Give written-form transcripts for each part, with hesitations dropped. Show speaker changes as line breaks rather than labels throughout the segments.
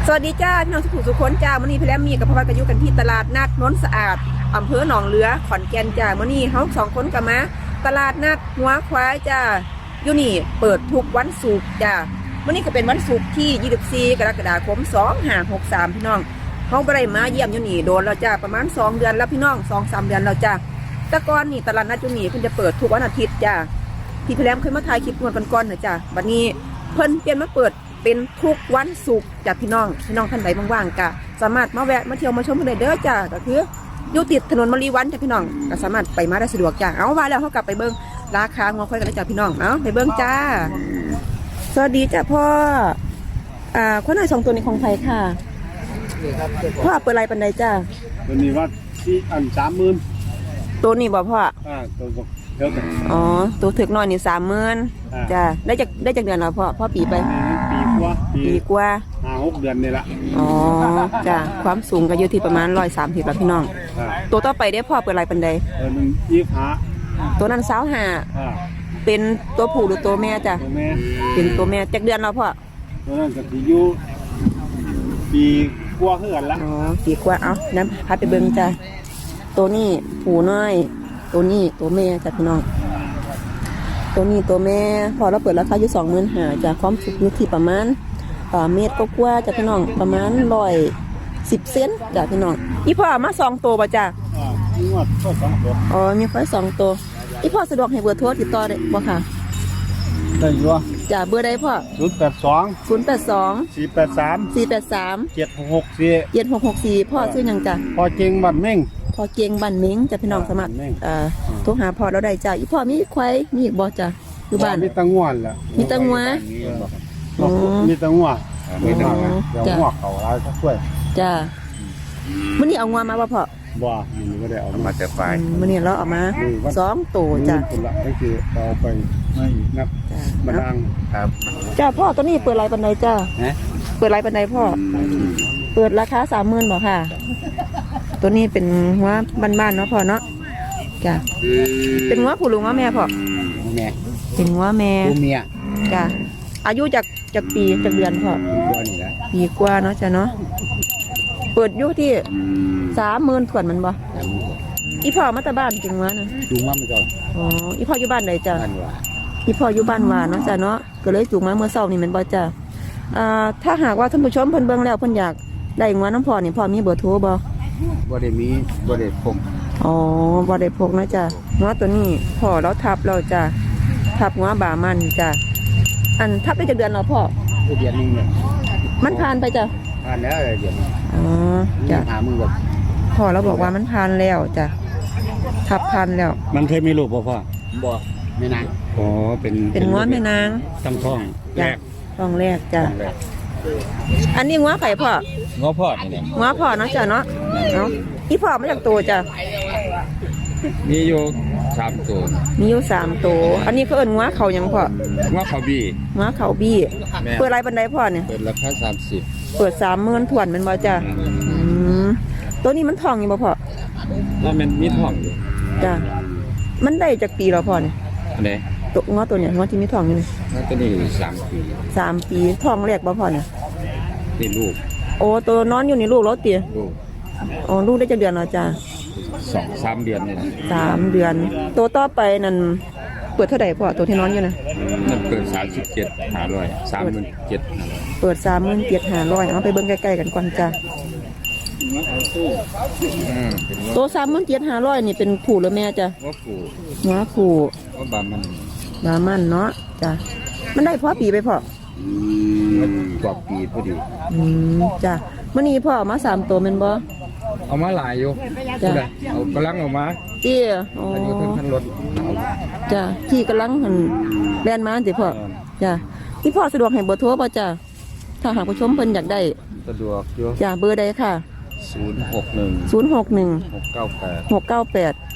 สวัสดีจ้าพี่น้องทุกคนจ้ามื้อนี้พี่แรมมีกับพ่อพัดกันอยู่กันที่ตลาดนัดนนสะอาดอำเภอหนองเรือขอนแก่นจ้ามื้อนี้เฮา2คนกันมาตลาดนัดหัวควายจ้าอยู่นี่เปิดทุกวันศุกร์จ้ามื้อนี้ก็เป็นวันศุกร์ที่24กรกฎาคม2563พี่น้องเฮาบ่ได้มาเยี่ยมอยู่นี่โดนแล้วจ้าประมาณ2เดือนแล้วพี่น้อง 2-3 เดือนแล้วจ้าแต่ก่อนนี่ตลาดนัดอยู่นี่เพิ่นจะเปิดทุกวันอาทิตย์จ้าพี่แรมเคยมาถ่ายคลิปงวดก่อนๆน่ะจ้าบัดนี้เพิ่นเปลี่ยนมาเปิดเป็นทุกวันศุกร์จากพี่น้องท่านใดว่างๆก็สามารถมาแวะมาเที่ยวมาชมกันได้เด้อจ้าก็คืออยู่ติดถนนมะลิวันจ้าพี่น้องก็สามารถไปมาได้สะดวกจ้าเอาว่าแล้วเขากลับไปเบิ้งราคางัวควายกันเลยจ้าพี่น้องเอาไปเบิ้งจ้าสวัสดีจ้าพ่อคนไหน2ตัวนี้ของไผค่ะพ่อเปิดไรปันใดจ้า
ตัวนี้ว่าที่30,000
ตัวนี้บ่พ่อ
ตัวเท่ากัน
อ๋อตัวถึกน้อยนี่30,000จ้าได้จากเดือนแล้วพ่อปีไปปีกว่า
5-6 เดือนนี่ละ
อ๋อจ้าความสูงก็อยู่ที่ประมาณ130แล้วพี่น้องตัวต่อไปได้พ่อเปิดไรปันใด
ตัวนึง25
ตัวนั้น25เป็นตัวผู้หรือตัวแม่จ้ะ
ตัวแม่
เป็นตัวแม่จากเดือนแล้วพ่อ
ตัวนั้นก็สิอยู่ปีกว่าเฮือนละ
อ๋อปีกว่าเอาน้ำพัดไปเบิ่งจ้ะตัวนี้ผู้น้อยตัวนี้ตัวแม่จ้ะพี่น้องตัวนี้ตัวแม่พอเราเปิดราคาอยู่25,000จ้ะความสูงอยู่ที่ประมาณเมตรก็กว่าจ้ะพี่น้องประมาณ110 เซนจ้ะพี่น้องอีพ่อมา2ตัวป่ะจ้ะ
มีว่า2ตัว
อ๋อมีควาย2ตัวอีพ่อสะดวกให้เบอร์โทรติดต่อได้บ่ค่ะ
ได้อยู่
จ้ะเบอร์ใดพ่อ
082 483 7664
พ่อชื่อหยังจ้ะ
พ่อเจงบ้านเม้ง
พ่อเก่งบ้านเม้งจ้ะพี่น้องสมัครโทรหาพ่อเราได้จ้ะอีพ่อมีควายมีอีกบ่จ้ะอยู่บ้าน
มีตังวนแหละ
มีตังว
มีตังวมีตังวเดี๋ยวหัวเขาเราจะช่วย
จ้ะมื้อนี้เอางัวมาบ่พ่อ
บ่มันก็ได้เอามาแต่ไฟ
มื้อนี้เราเอามา2ตัวจ้ะ
คนละก็คือเอาไปไม่นับมาดังครับ
จ้ะพ่อตัวนี้เปิดไรปานใดจ้ะเปิดไรปานใดพ่อเปิดราคา 30,000บ่ค่ะตัวนี้เป็นหัวบ้านๆเนาะพ่อเนาะจ้ะเป็นหัวผู้หรือหัวแม่พ่อ
แม่
เป็นหัวแม่
เมีย
จ้ะอายุจากปีจากเดือนพ่อปีกว่าเนาะจ้ะเนาะเปิดอยู่ที่30,000ส่วนมันบ่อีพ่อมาแต่บ้านจริงวะนะ
จูงมาไม่ก่อน
อ๋ออีพ่ออยู่บ้านไหนจ้ะอีพ่ออยู่บ้านว่าเนาะจ้ะเนาะก็เลยจูงมาเมื่อเช้านี่มันบ่จ้ะถ้าหากว่าท่านผู้ชมเพิ่นเบิ่งแล้วเพิ่นอยากได้งัวน้ำพ่อนี่พ่อมีเบอร์โทรบ่
ได้มีบ่ได้พก
อ๋อบ่ได้พกนะจ้ะงัวตัวนี้พ่อเราทับเราจ้ะทับงัวบ่ามันจ้ะอันทับได้จากเดือนแล้วพ่อ
เดือนนึงเนี่ย
มันผ่านไปจ้ะ
ผ่านแล้วเดือน
อ๋อจ้ะ
หามือแบบ
พ่อเราบอกว่ามันผ่านแล้วจ้ะทับผ่านแล้ว
มันเคยมีลูกพ่อบ่ไม่นางอ๋อ
เป็นงัวแม่นาง
ตั้งท้องแรก
ท้องแรกจ้ะอันนี้งัวไข่พ่อ
งัวพ่อนี่
งัวพ่อเนาะจ้ะเนาะเนาะอีพ่อมาจากตัวจ้ะ
มีอยู่3ตัว
มีอยู่3ตัวอันนี้เขาเอิ้นงัวเขายังพ่อ
งัวเขาบี้
งัวเขาบี้เปิดไรบันไดพ่อเนี่ย
เปิดราคา30
เปิด30,000ถ่วนมันบ่จ้ะตัวนี้มันทองอยู่บ่พ่อ
มันมีทองอยู่
จ้ะมันได้จากปีแล้วพ่อเนี่ย
อันไหน
ตัวงัวตัวเนี้ยงัวที่มีทองอยู่นี่
ตัวนี้3 ปี
ทองแรกบ่พ่อเนี่ย
นี่ลูก
โอ้ตัวนอนอยู่นี่ลูกแล้วเตี๋ย
ลูก
อ๋อลูกได้จากเดือนแล้วจ้ะ
2-3 เดือนนี่
3 เดือนตัวต่อไปนั่นเปิดเท่าไหร่พ่อตัวที่นอนอยู่นะ
มันเปิด37,500 37,500
เปิด37,500เอาไปเบิ่งใกล้ๆกันก่อนจ้ะตัว37,500นี่เป็นผู้หรือแม่จ้ะหัวผู้
บา
มันเนาะจ้ะมันได้พอปีไปพ่
กว่าปีพอดี
จ้ะมื้อนี้พ่อมา3ตัวแม่นบ่
เอามาหลายอยู่จ้ะเอากำลังออกมา
อ๋อ
อยู่ทั้งรถ
จ้ะที่กำลังหั่นแล่นมาสิพ่อจ้ะที่พ่อสะดวกให้เบอร์โทรป่ะจ้ะถ้าหากผู้ชมเพิ่นอยากได้
สะดวกอยู่
จ้ะเบอร์ใดค่ะ
061
698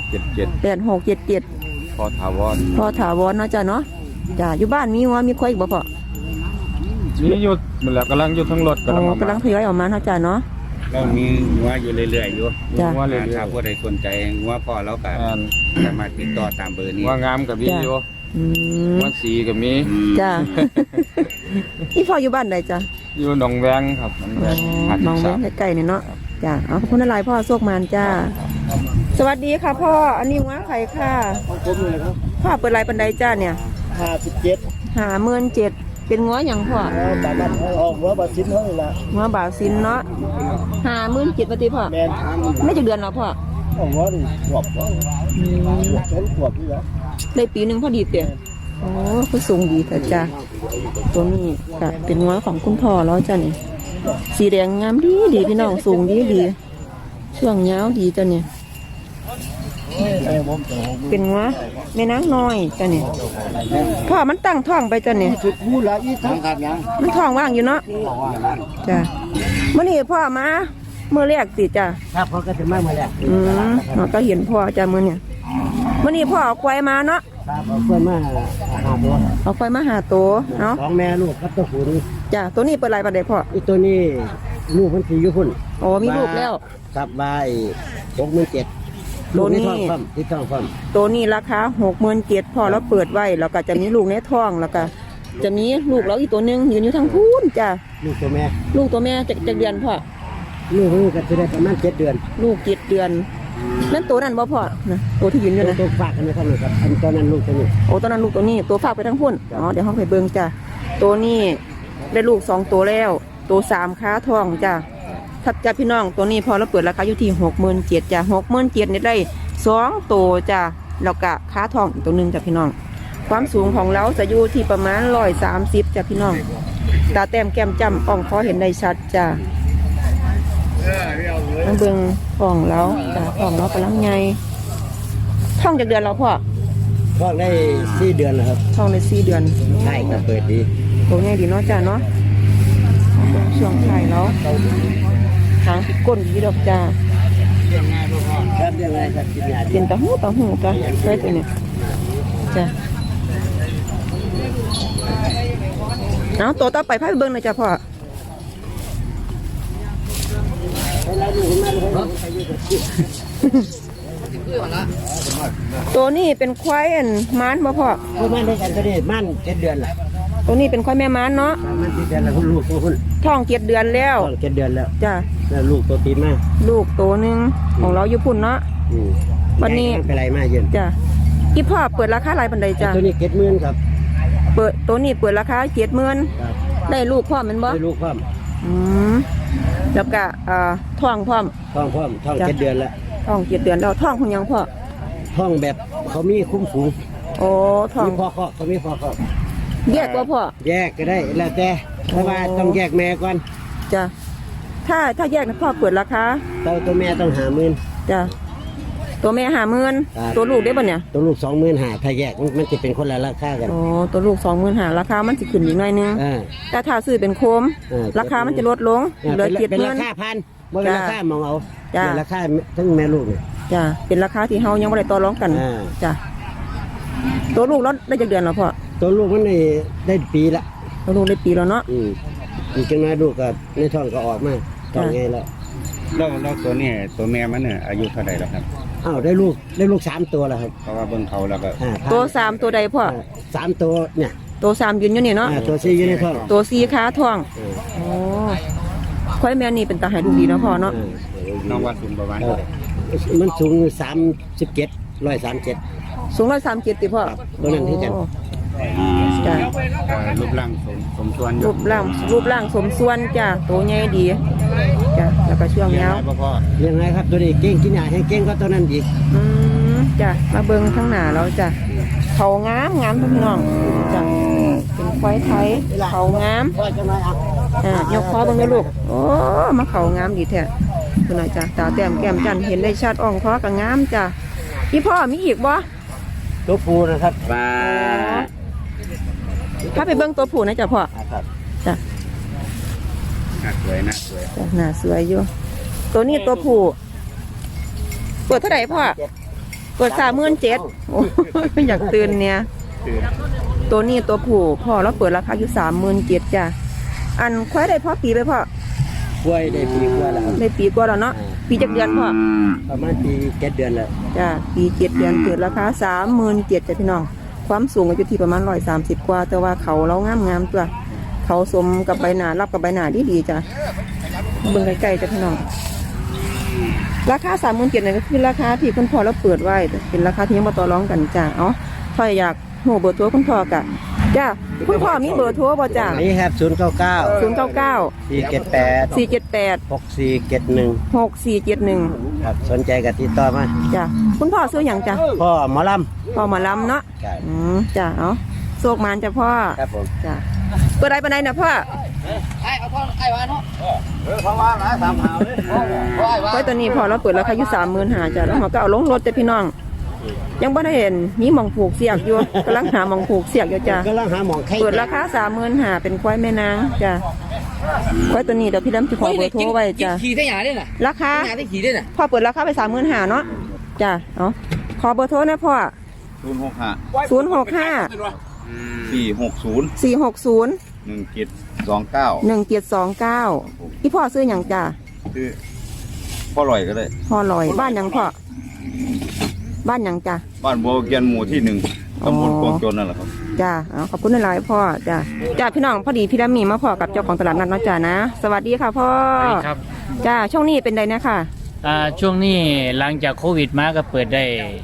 8677
พอถาว
รเนาะจ้ะเนาะจ้ะอยู่บ้านมีงัวมีควายอีกบ่พ่อ
มีอยู่มันแล้วกำลังอยู่ทั้งรถ
กำลังทยอยออกมาเนาะจ้ะเนาะ
เรามีงัวอยู่เรื่อยๆอยู่งัวเรื่อยๆถ้าผู้ใดสนใจงัวพ่อแล้วก็สามารถติดต่อตามเบอร์นี้งัวงามกับวิดีโอ
อืม
หัวสีก็มี
จ้า อีพ่ออยู่บ้านใดจ้ะ
อยู่หนองแวงครับหนองแวง
มองเว้นใกล้ๆเนี่ยเนาะจ้าเอาขอบคุณอะไรพ่อโชคมานจ้า สวัสดีค่ะพ่ออันนี้ง้าไข่ค่ะ
ของผมเลยครับ
พ่อเปิดไรปันไดจ้าเนี่ย
57
57,000เป็นง้ออย่างพ่อ
บาทออกหัวบาทสิ้นเท่านี้ละ
ง้อบาวซินเนาะ57,000ปฏิพ่อ
แม่น
ไม่จะเดือนแล้วพ่อ
ออกหัวนี่ขวบชนขวบนี่ละ
ได้ปีหนึ่งพอดีเตี่ยโอ้คือสูงดีแต่จ้าตัวนี้ก็เป็นง้อของคุณพ่อแล้วจ้านี่สีแดงงามดีดีพี่น้องสูงดีดีช่วงยาวดีจ้าเนี่ย
ผมจะ
เป็นง้อแม่นางน้อยจ้านี่พ่อมันตั้งท้องไปจ้านี่
จุดพูดละอีทั้งขาดยัง
มันท้องว่างอยู่เนาะจ้าเมื่อนี้พ่อมาเมื่อแรกสิจ้า
ครับเขาก็จะมาแล้ว
เราก็เห็นพ่อจ้ามื่อเนี่ยเมื่อนี้พ่อเอาควายมาเนาะ
ครับเอาเพื่อนมาหาตัว
เอาควายมาหาตัวเนาะ
สองแม่ลูกครับตัวผู้นี่
จ้าตัวนี้เปิดไรปันไดพ่อ
อีตัวนี้ลูกมันสีอยู่พุ่น
โอ้มีลูกแล้ว
ครับใบ67,000ลูกนี่ท้องฟ้ำที่ท้องฟ้ำ
ตัวนี้ราคา67,000พอแล้วเปิดไว้แล้วก็จะมีลูกในท้องแล้วก็จะมีลูกแล้วอีกตัวหนึงยืนอยู่ทางพูนจ้า
ลูกตัวแม่
ลูกตัวแม่จะเดือนพ่อ
ลูกนี่ก็จะได้ประมาณ7 เดือน
ลูก7 เดือนนั่นตัวนั้นบ่พ่อนะตัวที่ยืนอยู่นะ
ตัวฝากกันนะครับนี่ครับอันตอนนั้นลูกตัวนี้
โอ้ตัวนั้นลูกตัวนี้ตัวฝากไปทางพุ่นอ๋อเดี๋ยวห้องไปเบิ่งจ้าตัวนี้ได้ลูก2ตัวแล้วตัว3ค้าท้องจ้าถ้าจะพี่น้องตัวนี้พอแล้วเปิดราคาอยู่ที่67,000จ้า67,000นี่ได้2ตัวจ้าแล้วก็ค้าท้องอีกตัวหนึงจ้าพี่น้องความสูงของเราจะอยู่ที่ประมาณ130จ้าพี่น้องตาแต้มแก้มจ้ำอ่องคอเห็นได้ชัดจ้ามาเบิ่งท้องแล้วจ้าท้องเรากำลังใหญ่ท้องจากเดือนแล้วพ่อ
ท้องได้4 เดือนแล้วครับ
ท้องใน4 เดือน
ใช่ก็เปิดดี
ตัวใหญ่ดีเนาะจ้าเนาะช่วงไข่แล้วหางก้นดีดอกจ้า
ครับยังไงครับกินยาดี
เป็นตะหูจ้าใช่ตัวเนี้ยจ้าเอาตัวต่อไปพาไปเบิ่งหน่อยจ้าพ่อตัวนี้เป็นควายอันม้านบ่พ่อ
ประมาณได้กันก็ได้มั่น7 เดือนละ
ตัวนี้เป็นควายแม่ม้านเนาะ
มัน7 เดือนแล้วคุณลูกตัวคุณ
ท้อง7 เดือนแล้ว
ท้อง7 เดือนแล้ว
จ้า
แล้วลูกตัวตีมา
ลูกตัวหนึงของเราอยู่พุ่นเนาะ วันนี้
เป็นไรมาเย็น
จ้าอีพ่อเปิดราคาหลายปันใดจ้า
ตัวนี้70,000ครับ
เปิดตัวนี้เปิดราคา70,000
ครับ
ได้ลูกพร้อมแมันบ่
ได้ลูกพร้อม
อืมแล้วก็ท้องพร้อม
ท้องพร้อมท้อง
จ้ะ
7 เดือนแล้ว
ท้อง7 เดือนแล้วท้องของหยังพ่อ
ท้องแบบเขามีคุ้มฝูง
โอ้ท้อง
มีพ่อคอกเขามีพ่อคอก
แยกบ่พ่อ
แยกก็ได้แล้วแต่ว่าต้องแยกแม่ก่อน
จ้ะถ้าแยกนะพ่อเปิดราคา
ตัวแม่ต้อง50,000
จ้ะตัวแม่
ครับ
50,000ตัวลูกได้บ่เนี่ย
ตัวลูก25,000ถ้าแยกมันจะเป็นคนละราคากัน
โอ้ตัวลูก25,000ราคามันสิขึ้นอีกหน่อยนึง
อ่า
แต่ถ้าซื้อเป็นโคม ราคามันจะลดลงเหลือ
เป็นรา
70,000
คาพันบ่เป็นราคามองเอา
จ้ะ
เป็นราคาทั้งแม่ลูกเนี่ย
จ้ะเป็นราคาที่เฮายังบ่ได้ต่อรองกัน
อ่า
จ้ะตัวลูกแล้วได้จักเดือนแล้วพ่อ
ตัวลูกมันได้ปีละ
ตัวลูกได้ปีแล้วเนาะ
อีกจังน้อยลูกก็ในท้องก็ออกมาท้องไงแล้ว
แล้วตัวนี้ตัวแม่มันเนี่ยอายุเท่าไหร่แล้วครับ
อ้าวได้ลูก3 ตัวแล้วครับ
เพราะว่าเบิ่งเขาแล้วก็
ตัว3ตัวใดพ่อ
3 ตัวเนี่ย
ตัว3ยืนอยู่นี่เนาะ
ตัว4อยู่ในท้อง
ตัว4ขาท้อง
อ่า
โอ้ควายแม่นี่เป็นตาหายลูกดีเนาะพ่อเนาะ
น้องว่าสูงประมาณ
เออมันสูง137
สูง137ติพ่อ
ครับตัวนั้นที่กัน
โอ้จ้ะ
รูปร่างสมส่วนอยู่
รูปร่างสมส่วนจ้ะตัวใหญ่ดีจ้ะแล้วก็ช่วง
เลี้ยง
ยาว
ได้บ่พ่อ
เลี้ยงไงครับตัวนี้เก่งกินยาให้เก่งก็ตัวนั้นอีก
จ้ะมาเบิ่งข้างหน้าแล้วจ้ะเขางามพี่น้องจ้ะเป็นควายไทยเขางาม
พ่อจะมาเอา
ยกคอเบิ่งเด้อลูกโอ้มาเขางามดีแท้คุณน่ะจ้ะตาแต้มแก้มจันเห็นได้ชัดอ่องคอก็งามจ้ะพี่พ่อมีอีกบ่
ตัวปูนะครับ
ถ้าไปเบิ่งตัวผู้นะจ้ะพ่อ
ครับ
จ้ะ
น่าสวยน่าสวย
จ้ะหน้าสวยอยู่ตัวนี้ตัวผู้เปิดเท่าไหร่พ่อเปิด37,000โอ้ยอยากตื่นเนี่ย
คือ
ตัวนี้ตัวผู้พ่อเราเปิดราคาอยู่37,000จ้ะอันควายได้พ่อปีไปพ่อก
ล้วยได้ปีกว่าแล้วครับ
ได้ปีกว่าแล้วเนาะปีจักเดือนพ่อ
ประมาณปี7 เดือนแล้ว
จ้ะปี7 เดือนเปิดราคา37,000จ้ะพี่น้องความสูงก็อยู่ที่ประมาณ130กว่าแต่ว่าเขาเรางามตัวเขาสมกับใบหน้ารับกับใบหน้าดีจ้ะเบิ่งใกล้ๆจ้ะพี่น้องราคา37,000นี่ก็คือราคาที่คุณพ่อเราเปิดไว้เป็นราคาที่ยังบ่ต่อรองกันจ้ะถ้าอยากโหเบอร์โทรคุณพ่อกะจ้ะคุณพ่อมีเบอร์โทรบ่จ้ะ
นี่ครับ099
099
478
478
6471
6471
ครับสนใจก็ติดต่อมา
จ้ะคุณพ่อซื้อหยังจ้ะ
พ่อหมอล
พ่อหมอลำเนาะ
ำครับ
จ้ะโศกมานจ้ะพ่อ
ครับผม
จ้ะเปิดได้ปานใดนะพ่อไว้ตอนนี้พอเราเปิดราคาอยู่35,000จ้ะแล้วเราก็เอาลงรถจ้ะพี่น้อง ยังบ่ได้เห็นมีหม่องผูกเสียกอยู่กำลังหาหม่องผูกเสียกอยู่จ้ะ
ก็ลังหาหมองไข่
เปิดราคา35,000เป็นควายแม่นางจ้ะควายตัวนี้เดี๋ยวพี่ดำจะขอเบอร์โทรไว้จ้ะ
ขี่ได้หยาได้น่ะ
ราคา
หยาได้ขี่ได้น่ะ
พ่อเปิดราคาไป35,000เนาะจ้ะขอเบอร์โทรนะพ่อ 065
460
460
1729
1729พี่พ่อซื้อหยังจ้ะ
คือพ่อลอยก็ได้
พ่อลอยบ้านหยังพ่อบ้านหยังจ้ะ
บ้านบัวเกียนหมู่ที่1ตำบลกวงจนนั่นแหละครับ
จ้ะขอบคุณหลายๆพ่อจ้ะพี่น้องพอดีพี่ดำมีมาพ่อกับเจ้าของตลาดนัดเนาะจ้ะนะสวัสดีค่ะพ่อ
ครับ
จ้ะช่วงนี้เป็นไดนะคะ
ช่วงนี้หลังจากโควิดมาก็เปิดได้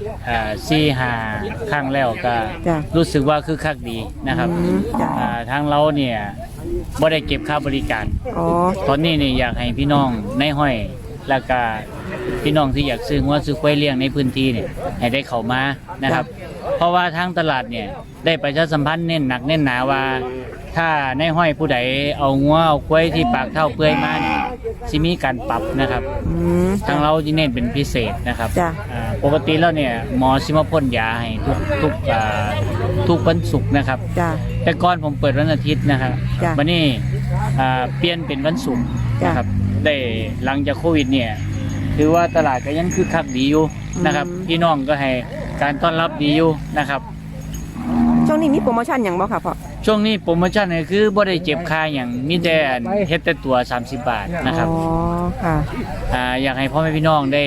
4-5 ครั้งแล้วก็
จ้ะ
รู้สึกว่าคือคักดีนะครับ
จ้ะ
ทางเราเนี่ยบ่ได้เก็บค่าบริการ
อ๋อ
ตอนนี้เนี่ยอยากให้พี่น้องในห้อยแล้วก็พี่น้องที่อยากซื้องัวซื้อควายเลี้ยงในพื้นที่เนี่ยให้ได้เข้ามานะครับ เพราะว่าทางตลาดเนี่ยได้ประชาสัมพันธ์เน้นหนักเน้นหนาว่า ถ้าในห้อยผู้ใดเอางัวเอาควายที่ปากเท่าเปื่อยมาเนี่ยสิมีการปรับนะครับ ทางเราจะเน้นเป็นพิเศษนะครับ
จ้ะ
ปกติแล้วเนี่ยหมอสิมาพ่นยาให้ทุกวันศุกร์นะครับ
จ้ะ
แต่ก่อนผมเปิดวันอาทิตย์นะครับ
จ้ะ
วันนี้เปลี่ยนเป็นวันศุกร์
จ้ะ
นะครับได้หลังจากโควิดเนี่ยถือว่าตลาดก็ยังคึกคักดีอยู่นะครับ พี่น้องก็ให้การต้อนรับดีอยู่นะครับ
ช่วงนี้มีโปรโมชั่นหยังบ่ค่ะพ่อ
ช่วงนี้โปรโมชั่นก็คือบ่ได้เจ็บค่าอย่างมีแต่เฮ็ดแต่ตัว30 บาทนะครับ
อ๋อค่ะ
อยากให้พ่อแม่พี่น้องได้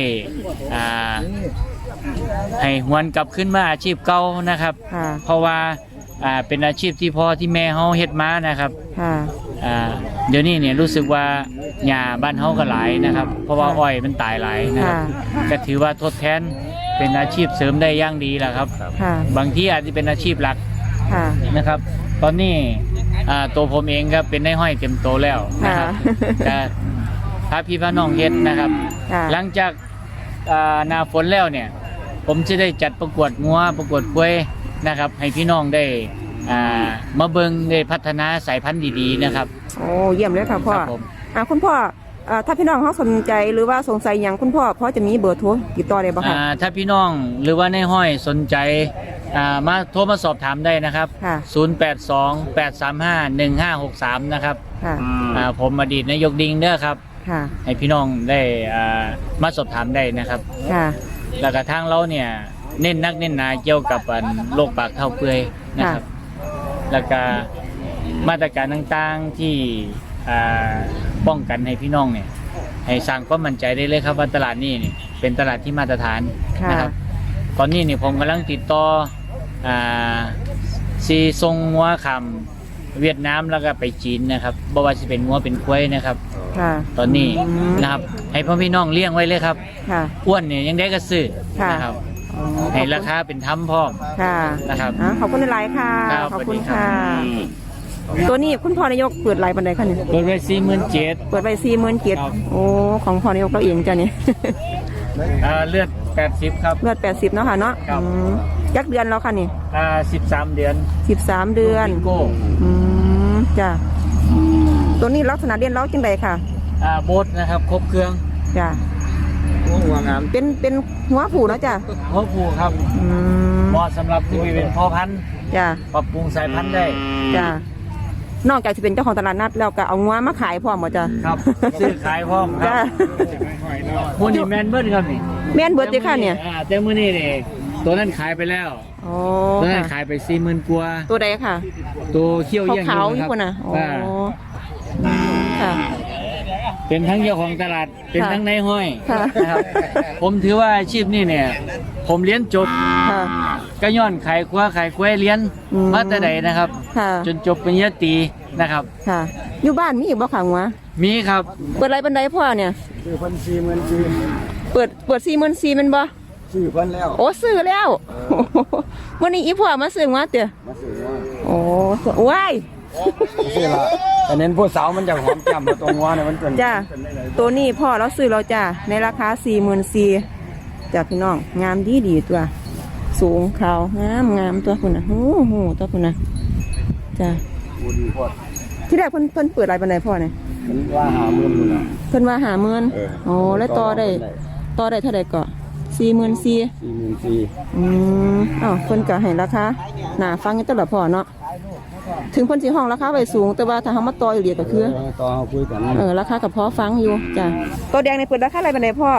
ให้หวนกลับขึ้นมาอาชีพเก่านะครับ
ค่ะ
เพราะว่าเป็นอาชีพที่พ่อที่แม่เฮาเฮ็ดมานะครับ
ค่ะ
เดี๋ยวนี้เนี่ยรู้สึกว่าหญ้าบ้านเฮาก็หลายนะครับ เพราะว่าอ้อยมันตายหลายนะครับก็ถือว่าทดแทนเป็นอาชีพเสริมได้อย่างดีแหละครับ
ค่ะ
บางที่อาจจะเป็นอาชีพหลัก
ค่ะ
นะครับ ตอนนี้ตัวผมเองก็เป็นนายห้อยเต็มโตแล้วนะครับ
ค่ะ
แต่พาพี่พาน้องเฮ็ดนะครับ
ค่ะ
หลังจากหน้าฝนแล้วเนี่ย ผมจะได้จัดประกวดงัวประกวดกล้วยนะครับ ให้พี่น้องได้มาเบิ่งได้พัฒนาสายพันธุ์ดีๆนะครับ
โอ้เยี่ยมเลยค่ะพ่อ
ครับผม
คุณพ่อถ้าพี่น้องเขาสนใจหรือว่าสงสัยอย่างคุณพ่อจะมีเบอร์โทรติดต่อได้บ่คะ
ถ้าพี่น้องหรือว่าในห้อยสนใจมาโทรมาสอบถามได้นะครับ
ค่ะ
0828351563 นะครับ
ค่ะ
ผมอดีตนายกดิงเด้อครับ
ค่ะ
ให้พี่น้องได้มาสอบถามได้นะครับ
ค่ะ
แล้วก็ทางเราเนี่ยเน้นนักเน้นหนาเกี่ยวกับโรคปากเท่าเปื่อยนะครับ แล้วก็มาตรการต่างๆที่ป้องกันให้พี่น้องเนี่ยให้สร้างความมั่นใจได้เลยครับว่าตลาดนี้เนี่ยเป็นตลาดที่มาตรฐาน
ค่ะ
นะครับ ตอนนี้เนี่ยผมกำลังติดต่อซีทรงงัวคำเวียดนามแล้วก็ไปจีนนะครับบ่ว่าจะเป็นงัวเป็นควายนะครับ
ค่ะ
ตอนนี้นะครับให้พ่อพี่น้องเลี้ยงไว้เลยครับ
ค่ะ
อ้วนเนี่ยยังได้ก็ซื้อ
ค่ะ
นะครับ ให้ราคาเป็นธรรมพร้อม
ค่ะ
นะครับ
ขอบคุณหลายๆค่ะ
ครับ
ขอบคุณ
สวัสดีครั
ค่ะ
บ
ตัวนี้คุณพ่อนายกเปิดหลายปันไดคะเนี่ย
เปิดไว้47,000
เปิดไป47,000โอ้ของพ่อนายกเราเองจ้ะเนี่ย
เลือด80ครับ
เลือด80เนาะค่ะเนาะ
ครับ
ยักเดือนแล้วค่ะนี่
13 เดือน
13 เดือน
บิงโก้
จ้ะตัวนี้ลักษณะเด่นเล้าจังใดค่ะ
โบสนะครับครบเครื่อง
จ้ะ
หัวงาม
เป็นหัวผูเนาะจ้ะ
หัวผูครับ
อืม
เหมาะสำหรับที่เป็นพ่อพันธุ์
จ้ะ
ปรับปรุงสายพันธุ์ได้
จ้ะนอกจากจะเป็นเจ้าของตลาดนัดแล้วก็เอางัวมาขายพร้อมบ่จ้ะ
ครับซื้อขายพร้อมค
จ้ะ
รับมูนี่แมนเบิร์ดครับนี่
แม่นเบิดเด้อค่ะเนี่ย
แต่มื้อนี้นี่ตัวนั้นขายไปแล้ว
โอ้
ตัวนั้น
ค่ะ
ขายไป 40,000 กว่า
ตัวใดค่ะ
ตัวเขี้ยวเยี่ยง
ขาวๆ
อ
อยู่
ยู่
พุ่น
นะ
น่ะ
ค
โอ้
รับ
ค่ะ
เป็นทั้งเจ้าของตลาดเป็นทั้งนายห้อย
ค่ะ
นะครับผมถือว่าอาชีพนี้เนี่ย ผมเรียนจบ
ค่ะ
ก็ย้อนขายคว้าขายกล้วยเรียน
อืม
มาแต่ใดนะครับ
ค่ะ
จนจบปริญญาตรีนะครับ
ค่ะ อยู่บ้านมีอีกบ่ขังวะ
มีครับ
เปิดไรบันไดพ่อเนี่ย
ซื้อเพิ่น40,000
เปิด44,000มันบ่
ซื้อเพิ่นแล้ว
โอ้ซื้อแล้ววันนี้อีพ่อมาซื้อมาเต๋อ
มาซื้อว่า
โอ้ว้าย
ซื้อละแต่เน้นผู้สาวมันจะหอมจำมาตรงว่าเนี่ยมันเป็น
จ้าตัวนี้พ่อเราซื้อเราจ้าในราคา44,000จ้าพี่น้องงามดีตัว สูงขาวงามตัวคุณนะโอ้โหตัวคุณนะจ้า
ผู้ดีพอด
ที่แรกเพิ่นเปิดไรบันไดพ่อเนี่ย
มันว่าหาเงินอยู่นะ
เพิ่นว่า50,000
เออ
โอ้แล้วต่อได้เท่าใดก็44,000
44,000
อ้าวเพิ่นก็ให้ราคาหน้าฟังกันตลอดพ่อเนาะถึงเพิ่นสิห้องราคาไว้สูง แต่ว่าถ้าเฮามาต่ออีหลีก็คือ
ต่อเฮาคุยกัน
ราคากับพอฟังอยู่จ้ะตัวแดงในเปิดราคาอะไรบันไดพ่อ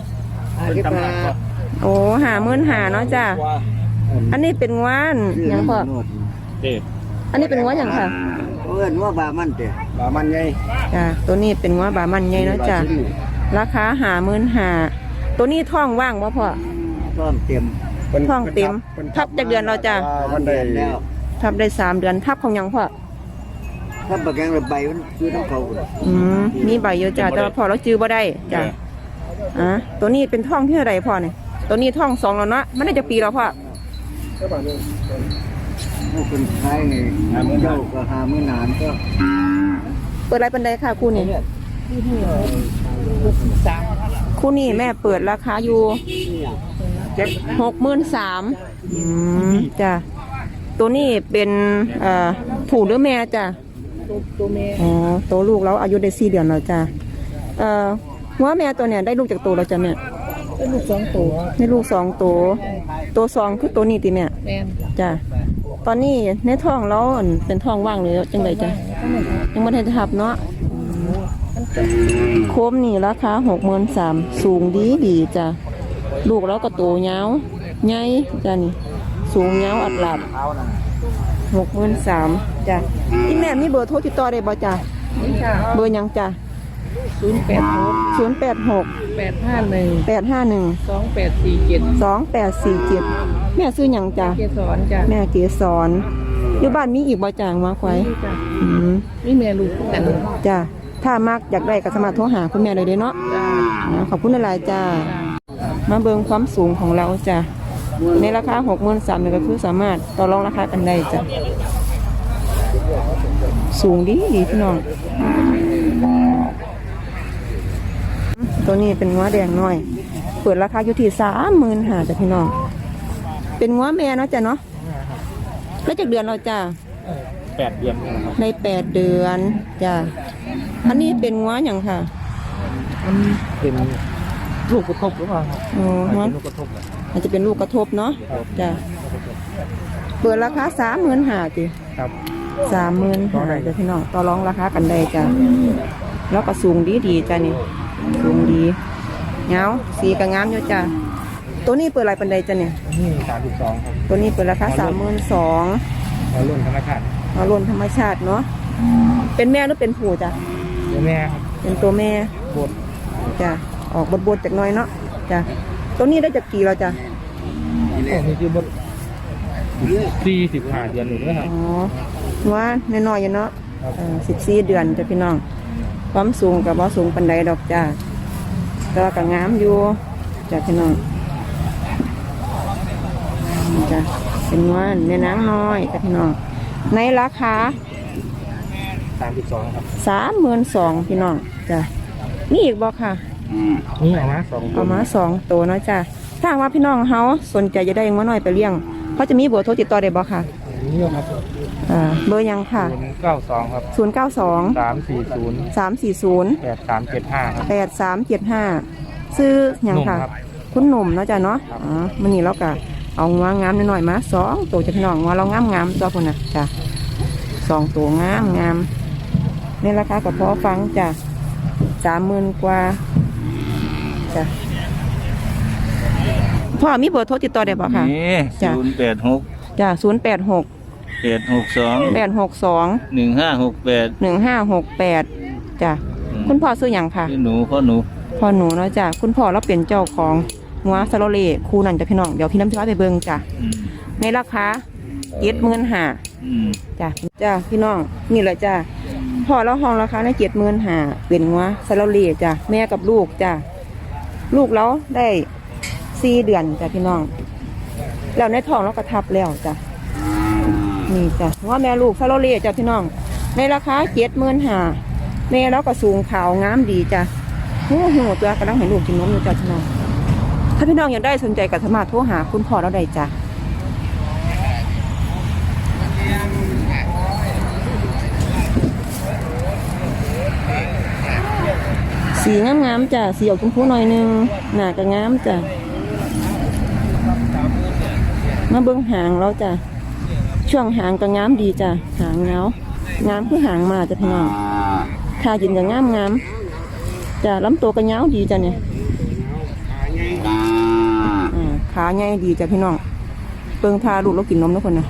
โอ้55,000เนาะจ้ะอันนี้เป็นงวานหยังพ่อ
เด็ด
อันนี้เป็นงวานหยังค่ะ
เอิ้นว่าบามันเด้
บามันไง
จ้ะตัวนี้เป็นงวานบามันใหญ่เนาะจ้ะราคา55,000ตัวนี้ท้องว่างบ่พ่อ
ต้อมเต็ม
ท้องเต็มทับจากเดือนเราจ้ะ
มันได้
แล้ว
ทับได้3เดือนทับของหยังพ่อ
ถ้าบักแกงระใบมันคือน้ำเขา
มีใบเยอะจ้ะแต่ว่าพ่อเราจื้อบ่ได้จ้ะตัวนี้เป็นท้องที่เท่าไหร่พ่อเนี่ยตัวนี้ท้อง2แล้วเนาะมันได้จากปีแล้วพ่อ
ผู้คนขายนี่เจ้าก็หามื้อนานก็
เปิดอะไรบันไดค่ะคู่นี้คู่นี้แม่เปิดราคาอยู่63,000จ้ะตัวนี้เป็นผูหรือแม่จ้ะตัวแม่อ๋อตัวลูกแล้วอายุได้4 เดือนแล้วจ้ะหัวแม่ตัวเนี่ยได้ลูกจากตัวแล้วจ้ะแม่ได้ลูก2 ตัวได้ลูก2 ตัว2คือตัวนี้ติแม่จ้ะตอนนี้ในท้องแล้วเป็นท้องว่างเลยจังไดจ้ะยังไม่ได้ทับเนาะโคมนี่ราคา63,000สูงดีจ้ะลูกแล้วก็โตยาวใหญ่จ้ะนี่สูงยาวอัดหลับ63,000จ้ะอีแม่มีเบอร์โทรติดต่อได้บ่จ้ะเบอร์หยังจ้ะ086 851 2847แม่ซื้อหยังจ้ะแม่เกสรอยู่บ้านมีอีกบ่จ้างมาไว้นี่แม่ลูกกันจ้ะถ้ามักอยากได้ก็สามารถโทรหาคุณแม่ได้เลยเนาะขอบคุณหลายๆจ้ามาเบิ่งความสูงของเราจ้ะในราคา63,000นี่ก็คือสามารถต่อรองราคากันได้จ้ะสูงดีพี่น้องตัวนี้เป็นง้อแดงน้อยเปิดราคาอยู่ที่35,000จ้ะพี่น้องเป็นง้อแม่เนาะจ้ะเนาะแล้วจากเดือนเราจ้ะ
8 เดือนนะครับ
ใน8 เดือนจ้ะอันนี้เป็นง้ออย่างค่ะ
เป็นลูกกระทบหรือเปล่าครับ
อ๋อง้อ
ลูกกระทบ
อาจจะเป็นลูกกระทบเนาะจ้ะเปิดราคา35,000จ้ะ
ครับ
35,000จ้ะพี่น้องต่อรองราคากันได้จ้ะแล้วก็สูงดีจ้ะนี่สูงดีเงาสีก็งามอยู่จ้ะตัวนี้เปิดอะไรปันใดจ้ะเนี่ย
นี่32ครับ
ตัวนี้เปิดราคา32,000
แล้วรุ่นธรรมชาติ
เอารวมธรรมชาติเนาะเป็นแม่หรือเป็นผู้จ้ะ
เดี๋ยวแม่ครับ
เป็นตัวแม่
บด
จ้ะออกบดๆจากหน้อยเนาะจ้ะตัวนี้ได้จากกี่เราจ้ะ
นี่คือบด45 เดือนหนึ่งนะครับ
อ๋อว่าน้อยๆอยู่เนาะ14 เดือนจ้ะพี่น้องความสูงกับว่าสูงปันใดดอกจ้ะแต่ว่าก็งามอยู่จ้ะพี่น้องจ้ะเป็นว่าแม่นางน้อยจ้ะพี่น้องในราคา
32ครับ
32,000พี่น้องจ้ะนี่อีกบ่ค่ะ
นี่เอามา2
เอามา2 ตัวเนาะจ้ะถ้าหากว่าพี่น้องเฮาสนใจจะได้งัวน้อยไปเลี้ยงเขาจะมีเบอร์โทรติดต่อได้บ่ค่ะ
นี่ครับ
เบอร์ยังค่ะ
92ครับ
092
340
340
8375
ซื้อหยังค่ะ
หนุ่มครับ
คุณหนุ่มเนาะจ้ะเนาะมื้อนี้เราก็เอางัวงามน้อยๆมา2 ตัวจ้ะพี่น้องงัวเรางามๆตัวพุ่นน่ะจ้ะ2 ตัวงามในราคาก็พอฟังจ้ะ30,000 กว่าจ้ะพ่อมีเบอร์โทรติดต่อได้บ่ค่ะ
นี่
จ้ะ
086
จ้ะ086
862
862
1568
1568จ้ะคุณพ่อซื้อหยังค่ะ
ชื่อหนูพ่อหนู
พ่อหนูเนาะจ้ะคุณพ่อเราเป็นเจ้าของงัวซาโลเล่คู่นั่นจ้ะพี่น้องเดี๋ยวพี่น้ำจะไปเบิ่งจ้ะในราคา75,000จ้ะพี่น้องนี่แหละจ้ะพ่อเราห้องราคาใน75,000เป็นงัวซาโลเล่จ้ะแม่กับลูกจ้ะลูกเราได้4 เดือนจ้ะพี่น้องแล้วในท้องเราก็ทับแล้วจ้ะนี่จ้ะงัวแม่ลูกซาโลเล่จ้ะพี่น้องในราคา75,000แม่เราก็สูงขาวงามดีจ้ะหูตัวกำลังเห็นลูกกินนมอยู่จ้ะพี่น้องถ้าพี่น้องอยากได้สนใจก็สามารถโทรหาคุณพ่อเราได้จ้ะสีงามๆจ้ะสีออกชมพูหน่อยนึงหน้าก็งามจ้ะมาเบิ่งหางเราจ้ะช่วงหางก็งามดีจ้ะหางเงางามคือหางมาจ้ะพี่น้องขาจินก็งามจ้ะลำตัวก็ยาวดีจ้ะเนี่ยขาใหญ่ดีจ้ะพี่น้องเบิ่งทาลูกเรากินนมทุกคนนะ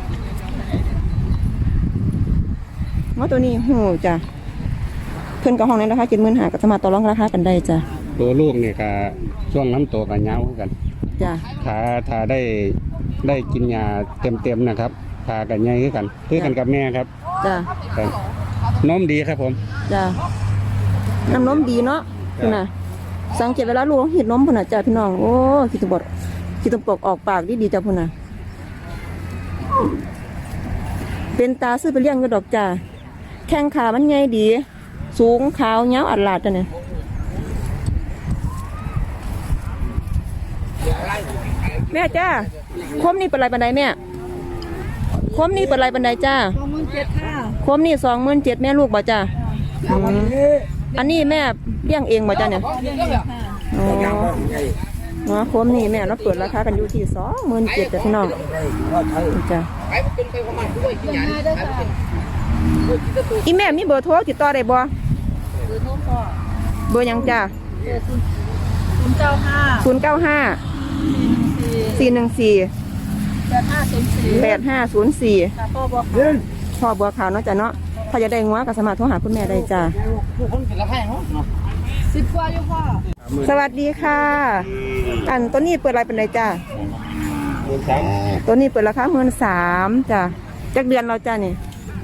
ว่าตัวนี้หูจ้ะเพิ่นกับห้องในราคา75,000ก็สามารถต่อรองราคากันได้จ้ะ
ตัวลูกนี่ก็ช่วงน้ำโตก็ยาวกัน
จ้ะ
ถ้าได้กินยาเต็มนะครับขากันใหญ่คือกันกับแม่ครับ
จ้ะ
ครับนมดีครับผม
จ้ะน้ำนมดีเนาะคุณน่ะสังเกตเวลาลูกเห็นนมพุ่นน่ะจ้ะพี่น้องโอ้คิดตปกออกปากดีจ้ะพุ่นน่ะเป็นตาซื้อไปเลี้ยงก็ดอกจ้ะแข้งขามันใหญ่ดีสูงขาวยาวอัดลาดจ้ะเนี่ยแม่จ้าคมนี่เป็นไรบันไดแม่คมนี่เป็นไรบันไดจ้า27,000ค่ะคมนี่27,000แม่ลูกบ่จ้าอันนี้แม่เลี้ยงเองบ่จ้าเนี่ยอ๋อคมนี่แม่เราเปิดราคากันอยู่ที่27,000จ้ะพี่น้องจ้าอีแม่มีเบอร์โทรติดต่อได้บ่เบอร์ยังจ้า095 414 8504พ่อบัวขาวเนาะจ้ะเนาะถ้าจะได้งัวก็สามารถโทรหาคุณแม่ได้จ้ะ10 กว่าอยู่พ่อสวัสดีค่ะอันตัวนี้เปิดอะไรเป็นไรจ้ะตัวนี้เปิดราคา13,000จ้ะจักเดือนเราจ้ะนี่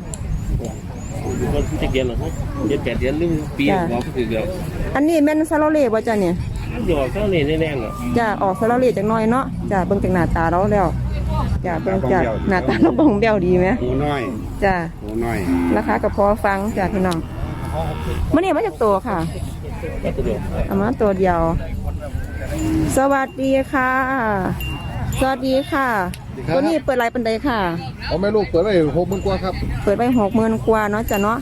จะเดือนหรอครับเดือน8 เดือนหรือปีหัวก็คือเดียว
อันนี้แม่นซาโลเล่บ่จ้ะเนี่ย
หยอกเท่านี้แน่ๆอ่ะ
จ้ะออกซาโลเล่จักหน่อยเนาะจ้ะเบิ่งจากหน้าตาเราแล้วจ้ะเบิ่งจากหน้าตาเราบ่งเบี้ยวดีไหม
หูน้อย
จ้ะ
หูน้อย
ราคาก็พอฟังจ้ะพี่น้องมื้อนี้มาจากตัวค่ะเอามาตัวเดียว สวัสดีค่ะสวัสดีค่ะตัวนี้เปิดไรปันใดค่ะ
เอาแม่ลูกเปิดไว้60,000 กว่าครับ
เปิดไป60,000 กว่าเนาะจ้ะเนาะ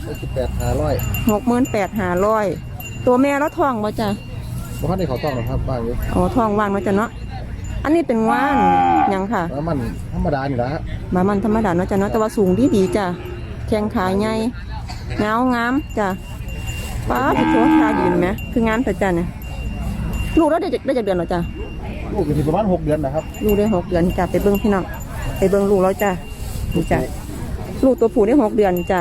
68,500ตัวแม่แล้วท้องบ่จ้ะ
บ่ทันได้เขาต้องหรอกครับบ้างอยู่
อ๋อท้องว่างเนาะจ้ะเนาะอันนี้เป็นว่านหยังค่ะ
มันธรรมดานี่ล่ะ
มันธรรมดาเนาะจ้ะเนาะแต่ว่าสูงดีจ้ะแข้งขาใหญ่เงางามจ้ะป้าที่ตัวขายืนไหมคืองามแต่จ้ะเนี่ยลูกเราได้จากเดือนหรอจ้ะ
ลูกอยู่ที่ประมาณ6 เดือนนะครับ
ลูกได้6 เดือนจ้ะไปเบิ้งพี่น้องไปเบิ้งลูกแล้วจ้ะนี่จ้ะลูกตัวผู้ได้6 เดือนจ้ะ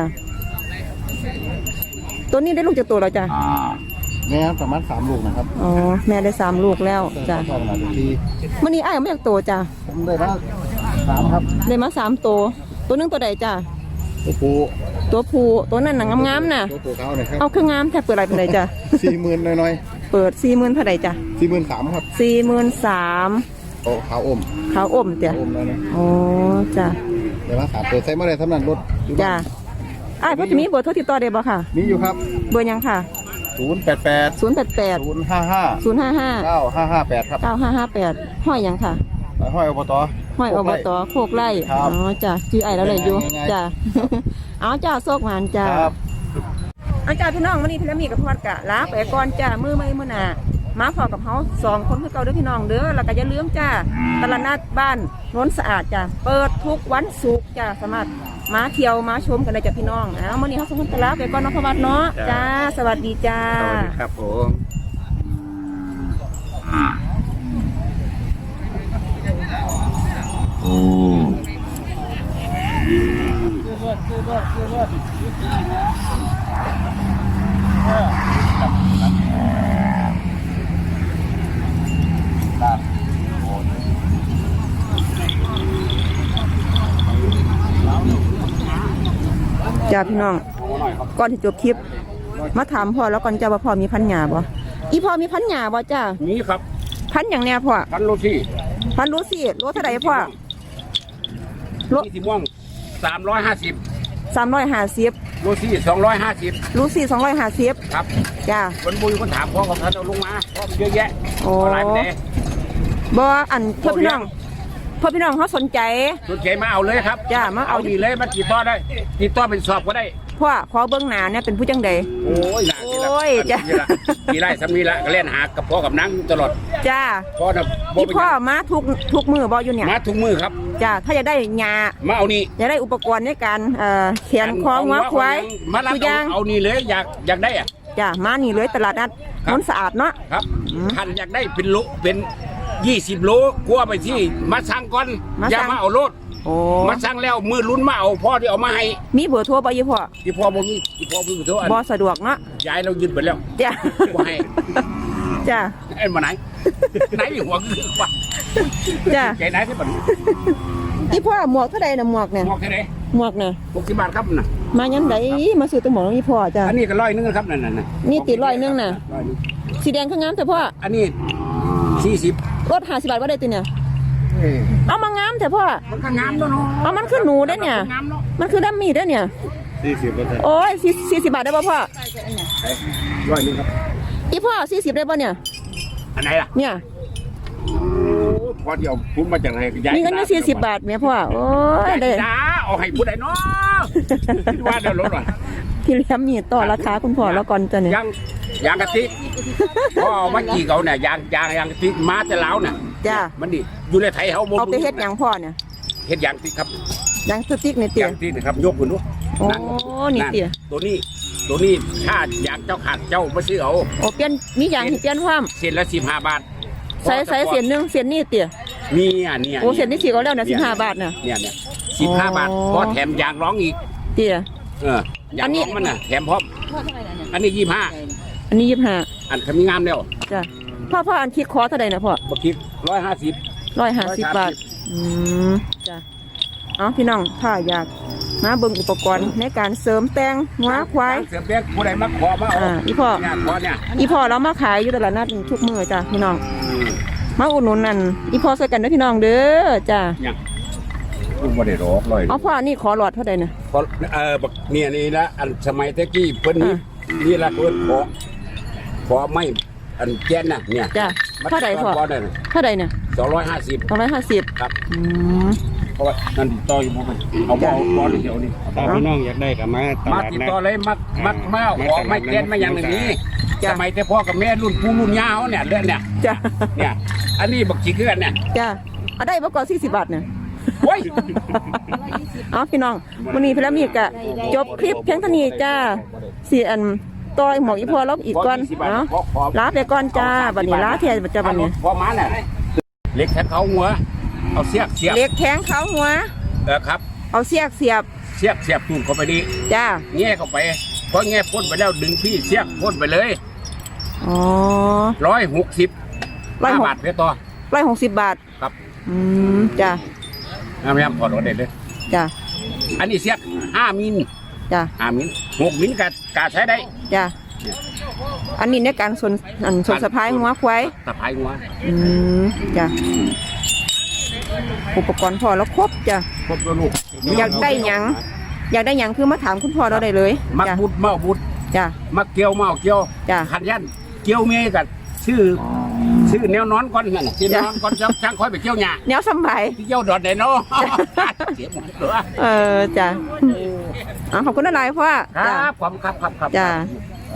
ตัวนี้ได้ลูกจากตัวเราจ้ะ
แม่ประมาณ3 ลูกนะครับ
อ๋อแม่ได้3 ลูกแล้วจ้ะมื่อนี้อ้ายไม่อยากโตจ้ะ
ผมได้มา3ครับ
ได้มา3 ตัวนึงตัวใดจ้ะ
ตัวผู้
ตัวนั้นหนังงามๆน่ะ
ตัวเขาเนี่ยครับ
เอาเครื่องงามแทบเปิดอะไรเป็นไรจ้ะ
40,000หน่อย
เปิด40,000เท่าไหร่จ้ะ
43,000ครับ
43,000
โอ้ขาวอม
จ้ะอ๋อจ้ะ
เดี๋ยวมา3 ตัวใส่มาได้ทำนั้นรถ
จ้ะอ้ายพ่อจะมีเบอร์โทรติดต่อได้บ่ค่ะ
มีอยู่ครับ
เบอร์ยังค่ะ
088 055 9558ครับ
9558ห้อยยังค่ะ
ห้อยอบต
โคกไร่อ๋อจ้ะชื่อไอ้แล้วเลยอยู่จ้ะเอาจ้าโชคหวานจ้าอาจารย์พี่น้องวันนี้พี่ละมีกับพอดกะลาไปก่อนจ้ามือไม่มือหนามาพอกับเขา2 คนคือเก่าเด้อพี่น้องเด้อแล้วก็อย่าลืมจ้าตลาดนัดบ้านโน้นสะอาดจ้าเปิดทุกวันศุกร์จ้าสามารถมาเที่ยวมาชมกันได้จ้าพี่น้องวันนี้เขาส่งกันลาไปก่อนน้องพวัดเนาะจ้าสวัสดีจ้า
สวัสดีครับผม
จ้าพี่น้องก่อนที่จบคลิปมาถามพ่อแล้วก่อนจ้าว่าพ่อมีพันหญ้าบ่อีพ่อมีพันหญ้าบ่จ้า
นี่ครับ
พันอย่างแน่พ่อ
พันโลที่
พันรู้สิโลเท่าไหร่พ่อโล
นี่สีม่วง350
350
โลที่250
รู้สิ250
ครับ
จ้า
คนบุญคนถามพ่อของเขาเอาลงมาพ่อมันเยอะแยะ
โอ้
เอาหลายไปไหน
บ่อันพ่อพี่น้องเขาสนใจ
สนใจมาเอาเลยครับ
จ้ามาเอา
นี่เลยมาติดต่อได้ติดต่อเป็นสอบก็ได้
พ่อขอเบิ่งหน้าเนี่ยเป็นผู้จังใด
โอ้ยหนัก
โอ้ยจ้ะ
มีไรสามีละก็เล่นหากับพ่อกับนังตลอด
จ้า
พ่อนะ
อีพ่อมาทุกมือบ่อยู่เนี่ย
มาทุกมือครับ
จ้าถ้าอยากได้หญ้า
มาเอานี่
อยากได้อุปกรณ์ในการเขียนคอหัวควาย
มารับ
ทุกอย่าง
เอานี่เลยอยากได้อะ
จ้ามานี่เลยตลาดนัด
ครับ
นนสะอาดเนาะ
ครับ
อืม
ท่านอยากได้เป็นโลเป็น20 โลกลัวไปที่มาสั่งก่อน
มาสั่ง
อย่ามาเอารถ
โอ้
มาสั่งแล้วมือลุ้นมาเอาพ่อที่เอามาให้
มีเบอร์โทรบ่ยี่พ่อ
ที่พ่อบ่มีที่พ่อเพิ่งโทรอัน
บ่สะดวกเนาะ
ยายเรายึดไปแล้ว
จ้า
บ่ให้
จ้า
ไอ้มาไหน ไหนหัวคือว่า
จ้า
ใจไหนที่บัด
อีพ่อหมวกเท่าใดน่ะหมวกเนี่ย
หมอกแค่ไหน
หมวกเนี่ย
60 บาทครับน่ะ
มายันไดมาซื้อตัวหมวกของอีพ่อจ้า
อันนี้ก็100นึงครับนั่นน่ะ
นี่ติด100นึงน่ะ
100นึง
สีแดงข้างงามแต่พ่อ
อันนี้40
รถ50 บาทบ่ได้ติเนี่ยเอามางามแต่พ่อ
มันก็งามแล้วเนาะ
เอามันคือหนูได้เนี่ย
งามเนาะ
มันคือดัมมี่ได้เนี่ย
40%
โอ้ย40 บาทได้ป่ะพ่อ
100นึงครับ
อีพ่อ40ได้ป่ะเนี่ย
อันไหนล่ะ
เนี่ย
โอ้พอเดียวพุ่มมาจากไหนยาย
มีเงินอยู่40 บาทแม่พ่อโอ้ยได้
จ้าเอาให้ผู้ใดเนาะคิดว่าเดี๋ยวลดหน่อย
พี่เลี้ยมนี่ต่อราคาคุณพ่อแล้วก่อนจ้ะเนี่ย
ยางกะติกพ่อเอามากี่เขาเนี่ยยางกะติกมาแต่แล้วเนี่ย
จ้า
มันนี่อยู่ในไทยเขาบ่
เอาไปเฮ็ดหยังพ่อเนี่ย
เฮ็ดยางติกครับ
หยังสติ๊กในเตี๋ย
ยางติกนะครับยกขึ้นดู
โอ้นี่เตี๋ย
ตัวนี้ถ้าอยากเจ้าขาดเจ้ามาซื้อเอา
โอ้เปลี่ยนมีหยังให้เปลี่ยนความ
เส้นละ15 บาท
ใส่เสียนหนึงเสียนนี่เตี๋ย
มีเนี่ย
โอ้เสียนนี่สิก็แล้วนะ15 บาทน่ะ
เนี่ย15 บาทพอแถมยางร้องอีก
เตี๋ย
ยา
อั
ง
นนี้
ร้องมันน่ะแถมพร้อมอันนี้25
อันนี้25
อันคำงามแล้ว
จ้ะพ่ออันคิดคอเท่าใดนะพ่อ
บ่คิด150
150 บาทจ้ะเอาพี่น้องถ้าอยากมาเบิ่งอุปกรณ์ในการเสริมแต่งหัวควาย
เสือเปียกผู้ใดมาขอมาเอา
อีพ่อ
เนี่ยขอเนี่ย
อีพ่อเรามาขายอยู่ตลาดนัดทุกมื้อจ้ะพี่น้องมาอุดหนุนนั่นอีพ่อใส่กันเด้อพี่น้องเด้อจ้ะ
เนี่ยคุณบ่ได้รอกเลย
เอาพ่อนี่ขอหลอดเท่าใดนะ
เพราะบักเนี่ยนี่ละอันสมัยตะกี้เพิ่นนี่ละเพิ่นขอไม่อันแก่นน่ะเนี่ย
จ้ะเท่าใดพ่อ
ขอได้
เท่าใดเนี่ย
250
250
ครับ
อืม
เพราะว่านั่นติดต่ออยู่บ่มันเอาบ่บ่เดี๋ยวนี้
ถ้าพี่น้องอยากได้ก็มาต
มา
ลาด
ติด
นัด
ต่อเลยมาขอไม่แก่นมาอย่างนี้สมัยแต่พ่อกับแม่รุ่นปู่รุ่นย่าเฮาเนี่ยเรื่องเนี่ย
จ้ะ
เนี่ยอันนี้บักจิคือกันเนี่ย
จ้ะเอาได้บ่ก่อน40 บาทเนี่ย
โอ้ย
เอาพี่น้องวันนี้พี่ละมีกะจบคลิปเพียงเท่านี้จ้าสี่อันต่อยหมอกอีพอลบอีกก่อนเนาะลาไปก่อนจ้าบัดนี้ลาเทียจ้าบัดนี้
พอมาเนี่ยเล็กแทงเขาหัวเอาเสียบ
เล็กแข้งเขาหัว
ครับ
เอาเสียบเสียบ
เสียบตูดเข้าไปดี
จ้า
แง่เข้าไปพอแง่พ่นไปแล้วดึงพี่เสียบพ่นไปเลย
อ๋อ
160 5 บาทเพื่อต่อ
160 บาท
ครับ
จ้า
พยายามถอดออกได้เลย
จ้า
อันนี้เสียบ5 มิล
จ้า
5 มิล6 มิลกาใช้ได้
จ้าอันนี้ในการสนสะพายหัวควาย
ตะไคร้หัว
จ้าอุปกรณ์พอแล้วครบจ้า
ครบแล้วลูก
อยากได้หยังคือมาถามคุณพ่อเราได้เลย
มัก
จ้า
บุดเมาบุด
จ้า
มักเกี่ยวเมาเกี่ยว
จ้ะ
ขันยันเกี่ยวเมียกันชื่อแนวนอนก่อนนั่นน่ะชื่อนอนก่อนช่างค่อยไปเกี่ยวหญ้า
แนวสำบาย
เกี่ยวดอดไหนเนาะเสียหมดเลย
จ้ะขอบคุณอะไรพ่อ
ครับผมครับ
จ้า
ครับ